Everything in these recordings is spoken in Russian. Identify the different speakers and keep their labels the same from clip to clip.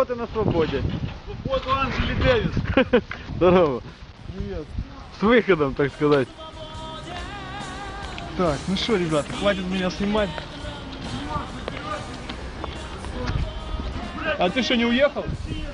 Speaker 1: вот и на свободе.
Speaker 2: Вот Анджели Дэвис.
Speaker 1: Здорово.
Speaker 2: Привет.
Speaker 1: С выходом, так сказать.
Speaker 2: Так, ну что, ребята, хватит меня снимать. А ты что, не уехал?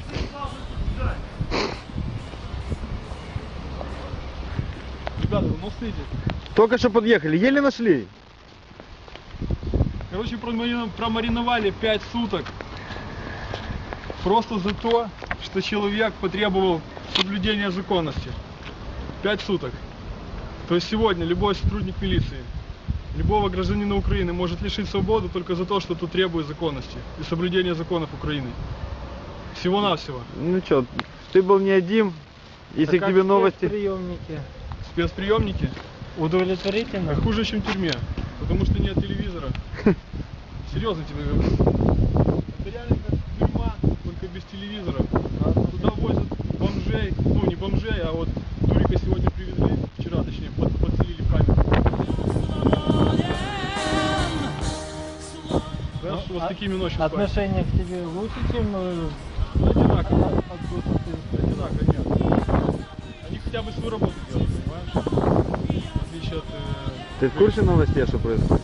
Speaker 2: Ребята, вы мостите.
Speaker 1: Только что подъехали, еле нашли.
Speaker 2: Короче, промариновали 5 суток. Просто за то, что человек потребовал соблюдения законности. 5 суток. То есть сегодня любой сотрудник милиции, любого гражданина Украины может лишить свободы только за то, что тут требует законности и соблюдения законов Украины. Всего-навсего.
Speaker 1: Ну что, ты был не один, если к тебе новости.
Speaker 3: Спецприемники.
Speaker 2: Спецприемники
Speaker 3: Удовлетворительно?
Speaker 2: хуже, чем в тюрьме, потому что нет телевизора. Серьезно тебе говорю. Это реально как тюрьма, только без телевизора. Туда возят бомжей, ну не бомжей, а вот Турика сегодня привезли, вчера точнее, подселили в камеру. Да, что вот такими ночью спать.
Speaker 3: Отношение к тебе лучше, чем
Speaker 2: Одинаково.
Speaker 3: от государства?
Speaker 2: Одинаково, нет. Они хотя бы свою работу делают, понимаешь? В отличие от...
Speaker 1: Ты в курсе новостей, что происходит?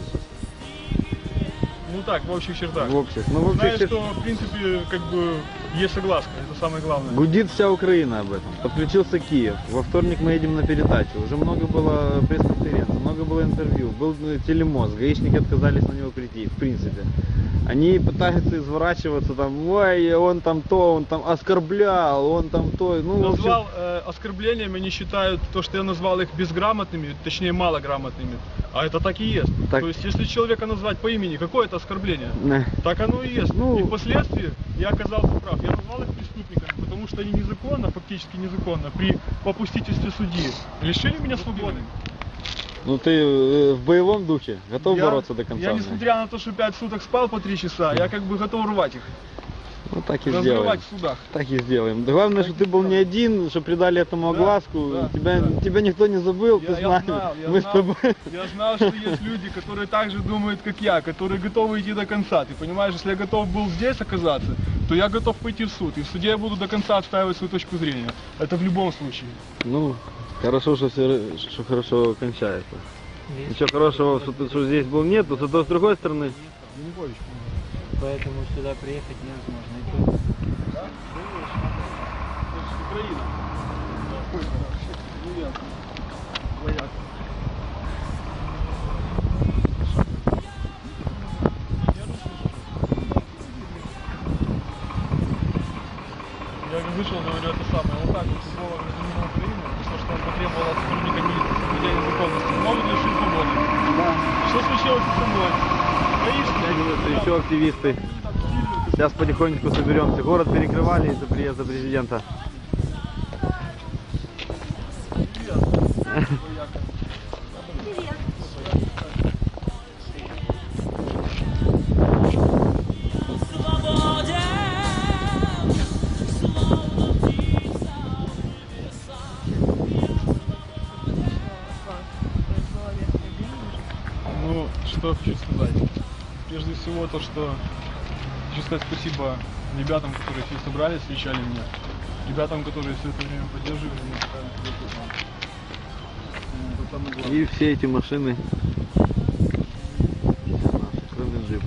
Speaker 2: Ну так, в общих чертах.
Speaker 1: В общих. Ну, в общих
Speaker 2: Знаешь,
Speaker 1: чертах.
Speaker 2: что в принципе как бы есть согласка, это самое главное.
Speaker 1: Гудит вся Украина об этом. Подключился Киев. Во вторник мы едем на передачу. Уже много было пресс-конференций, много было интервью. Был телемост. Гаишники отказались на него прийти, в принципе. Они пытаются изворачиваться, там, ой, он там то, он там оскорблял, он там то. Ну, в общем...
Speaker 2: Назвал оскорблениями, они считают то, что я назвал их безграмотными, точнее малограмотными. А это так и есть.
Speaker 1: Так.
Speaker 2: То есть, если человека назвать по имени, какое это оскорбление?
Speaker 1: Не.
Speaker 2: Так оно и есть.
Speaker 1: Ну.
Speaker 2: И впоследствии я оказался прав. Я назвал их преступниками, потому что они незаконно, фактически незаконно, при попустительстве судьи лишили меня свободы.
Speaker 1: Ну ты в боевом духе готов бороться до конца?
Speaker 2: Я, несмотря на то, что 5 суток спал по 3 часа, я как бы готов рвать их.
Speaker 1: Ну так и сделаем.
Speaker 2: Разрывать в судах.
Speaker 1: Так и сделаем. Да главное, что ты был не один, что придали этому огласку.
Speaker 2: Да,
Speaker 1: тебя никто не забыл, ты знаешь. Мы с тобой.
Speaker 2: Я знал, что есть люди, которые так же думают, как я, которые готовы идти до конца. Ты понимаешь, если я готов был здесь оказаться, то я готов пойти в суд. И в суде я буду до конца отстаивать свою точку зрения. Это в любом случае.
Speaker 1: Ну, хорошо, что все хорошо кончается. Ничего хорошего, что здесь был нет, но зато с другой стороны.
Speaker 3: Поэтому сюда приехать невозможно. И тут...
Speaker 2: Да? Украина. Вояк. Я вышел, говорю, это самое, вот так вот любого гражданина Украины, то, что он потребовал от сотрудника милиции соблюдения законности, могут лишить свободы. Да. Что случилось со мной? Гаишники?
Speaker 1: Еще активисты. Сейчас потихонечку соберемся. Город перекрывали из-за приезда президента.
Speaker 2: Ну, что хочу сказать. Прежде всего то, что хочу сказать спасибо ребятам, которые все собрались, встречали меня. Ребятам, которые все это время поддерживали меня. Это самое главное.
Speaker 1: И все эти машины, кроме джипа.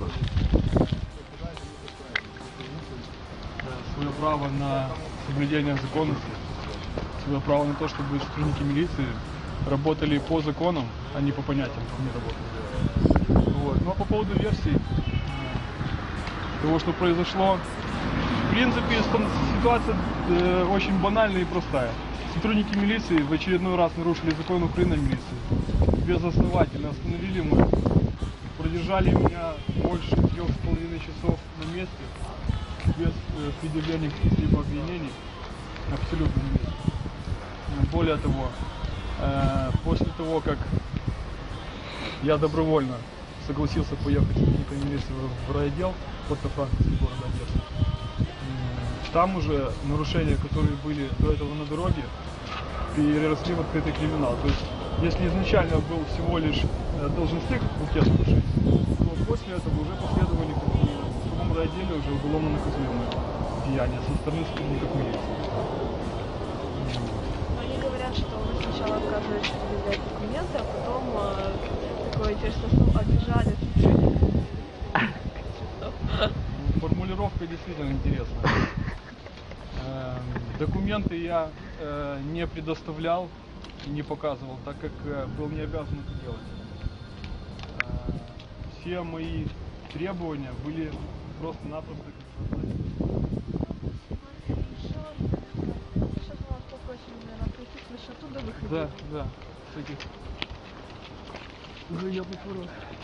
Speaker 2: Свое право на соблюдение законности, свое право на то, чтобы сотрудники милиции работали по законам, а не по понятиям, не работали. Вот. Ну а по поводу версий того, что произошло, в принципе, ситуация очень банальная и простая. Сотрудники милиции в очередной раз нарушили закон Украины о милиции. Безосновательно остановили мы, продержали меня больше 3,5 часов на месте, без предъявления каких-либо обвинений, абсолютно на месте. Более того, после того, как я добровольно согласился поехать с сотрудниками милиции в райотдел Порто-Франковский города Одессы, там уже нарушения, которые были до этого на дороге, переросли в открытый криминал. То есть, если изначально был всего лишь должностных букет нарушений, то после этого уже последовали в другом райотделе уже уголовно наказуемые влияния со стороны сотрудников милиции.
Speaker 4: Они говорят, что вы сначала отказываетесь предъявлять документы, а потом такое интересное слово обижали сотрудников.
Speaker 2: Формулировка действительно интересная. Документы я не предоставлял и не показывал, так как был не обязан это делать. Все мои требования были просто-напросто
Speaker 4: Сейчас мы вас попросим, наверное, прийти с высоту до выхода.
Speaker 2: да, с этих. Уже я поворот.